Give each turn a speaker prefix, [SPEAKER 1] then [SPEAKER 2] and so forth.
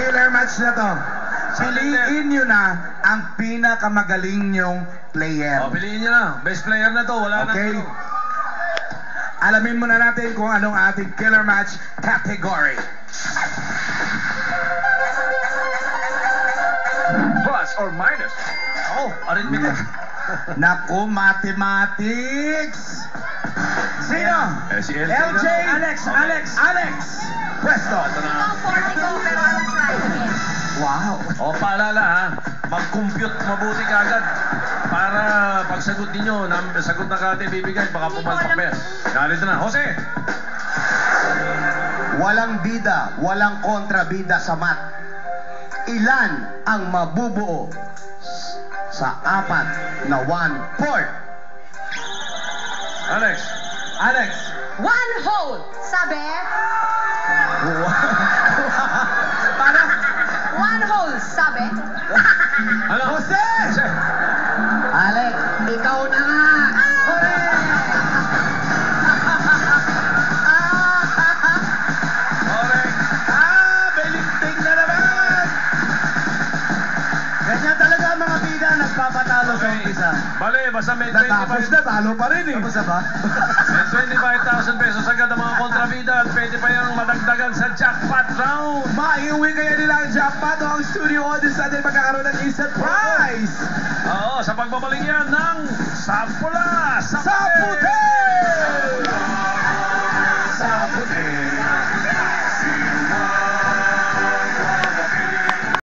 [SPEAKER 1] killer match na to. Piliin nyo na ang pinakamagaling nyong player.
[SPEAKER 2] O, piliin nyo na. Best player na to. Wala
[SPEAKER 1] Okay?
[SPEAKER 2] na.
[SPEAKER 1] Alamin muna natin kung anong ating killer match category.
[SPEAKER 2] Plus or minus. Oh, arithmetic.
[SPEAKER 1] Naku, mathematics! Sino?
[SPEAKER 2] Si LJ.
[SPEAKER 1] LJ! Alex! Pwesto!
[SPEAKER 2] Ito na.
[SPEAKER 3] Ikaw 40 ko, pero I'll try again.
[SPEAKER 1] Wow!
[SPEAKER 2] O, paalala ha. Mag-compute mabuti kagad. Para pagsagot ninyo, sagot na kate bibigay, baka pumalpak pa yan. Narito na. Jose!
[SPEAKER 4] Walang bida, walang kontrabida sa mat. Ilan ang mabubuo sa 4 na 1/4?
[SPEAKER 2] Alex!
[SPEAKER 3] One hole, sabi.
[SPEAKER 1] Para!
[SPEAKER 3] One hole, sabi.
[SPEAKER 2] Ano?
[SPEAKER 1] Jose!
[SPEAKER 4] Alex, ikaw na nga!
[SPEAKER 2] Correct.
[SPEAKER 1] Belinting na naman! Ganyan talaga ang mga bida, nagpapatalo sa umpisa.
[SPEAKER 2] Bale, basta may
[SPEAKER 1] Natapos
[SPEAKER 2] 25.
[SPEAKER 1] na, talo pa rin eh. Tapos na ba?
[SPEAKER 2] May 25,000 pesos agad ang mga kontrabida at pwede pa yung madagdagan sa jackpot round.
[SPEAKER 1] Maiuwi kaya nila ang jackpot o ang studio audience natin magkakaroon ng instant prize!
[SPEAKER 2] Oo, sa pagbabalik yan ng Sapula!
[SPEAKER 1] Sa puti!